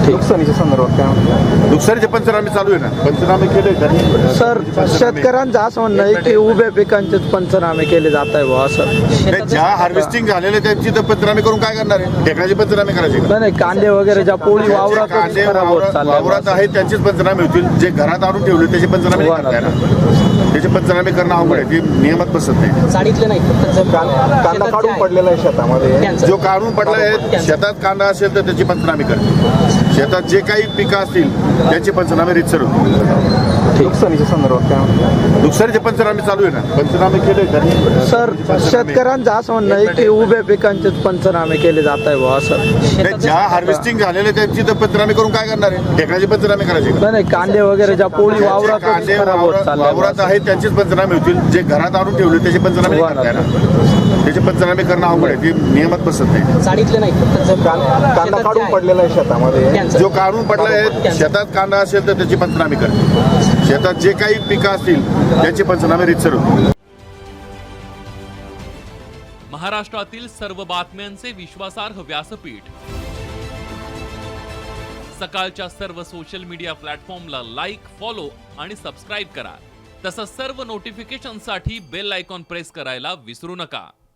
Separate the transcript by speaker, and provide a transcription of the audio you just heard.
Speaker 1: नुकसानीच्या संदर्भात काय म्हणतात?
Speaker 2: नुकसानीचे पंचनामे चालू आहे ना, पंचनामे केले का?
Speaker 3: सर शेतकऱ्यांचं असं म्हणणं आहे की उभ्या पिकांचेच पंचनामे केले जात आहे बुवा असं.
Speaker 2: नाही, ज्या हार्वेस्टिंग झालेले त्यांची तर पंचनामे करून काय करणार आहे? ढेकळाचे पंचनामे करायचे का?
Speaker 3: नाही कांदे वगैरे ज्या पोळी वावरात
Speaker 2: कांदे
Speaker 3: खराब होत
Speaker 2: वावरात
Speaker 3: चालले
Speaker 2: आहेत त्यांचेच पंचनामे होतील. जे घरात आणून ठेवले त्याचे पंचनामे नाही करता येणार. त्याचे पंचनामे करणं अवघड आहे, ते नियमात बसत नाही.
Speaker 4: साडीतले नाही
Speaker 1: कांदा काढून पडलेला आहे शेतामध्ये.
Speaker 2: जो काढून पडला आहे, शेतात कांदा असेल तर त्याची पंचनामे करते. शेतात जे काही पिकं असतील त्याचे पंचनामे रितसर होतील.
Speaker 1: नुकसानीच्या संदर्भात काय म्हणतात?
Speaker 2: नुकसानीचे पंचनामे चालू आहे ना, पंचनामे केले का?
Speaker 3: सर शेतकऱ्यांचं असं म्हणणं आहे की उभ्या पिकांचेच पंचनामे केले जात आहे बुवा असं.
Speaker 2: नाही, ज्या हार्वेस्टिंग झालेले त्यांची तर पंचनामे करून काय करणार आहे? ढेकळाचे पंचनामे करायचे का?
Speaker 3: नाही कांदे वगैरे ज्या पोळी वावरात
Speaker 2: कांदे
Speaker 3: खराब होत
Speaker 2: वावरात
Speaker 3: चालले
Speaker 2: आहेत त्यांचेच पंचनामे होतील. जे घरात आणून ठेवले त्याचे पंचनामे नाही करता येणार. त्याचे पंचनामे करणं अवघड आहे, ते नियमात बसत नाही.
Speaker 4: साडीतले नाही
Speaker 1: कांदा काढून पडलेला आहे शेतामध्ये.
Speaker 2: जो काढून पडला आहे, शेतात कांदा असेल तर त्याची पंचनामे करते. शेतात जे काही पिकं असतील त्याचे पंचनामे रितसर होतील.
Speaker 5: महाराष्ट्रातील सर्व बातम्यांचे विश्वासार्ह व्यासपीठ. सकाळच्या सर्व सोशल मीडिया प्लॅटफॉर्मला लाईक, फॉलो आणि सबस्क्राईब करा. तसंच सर्व नोटिफिकेशनसाठी बेल आयकॉन प्रेस करायला विसरू नका.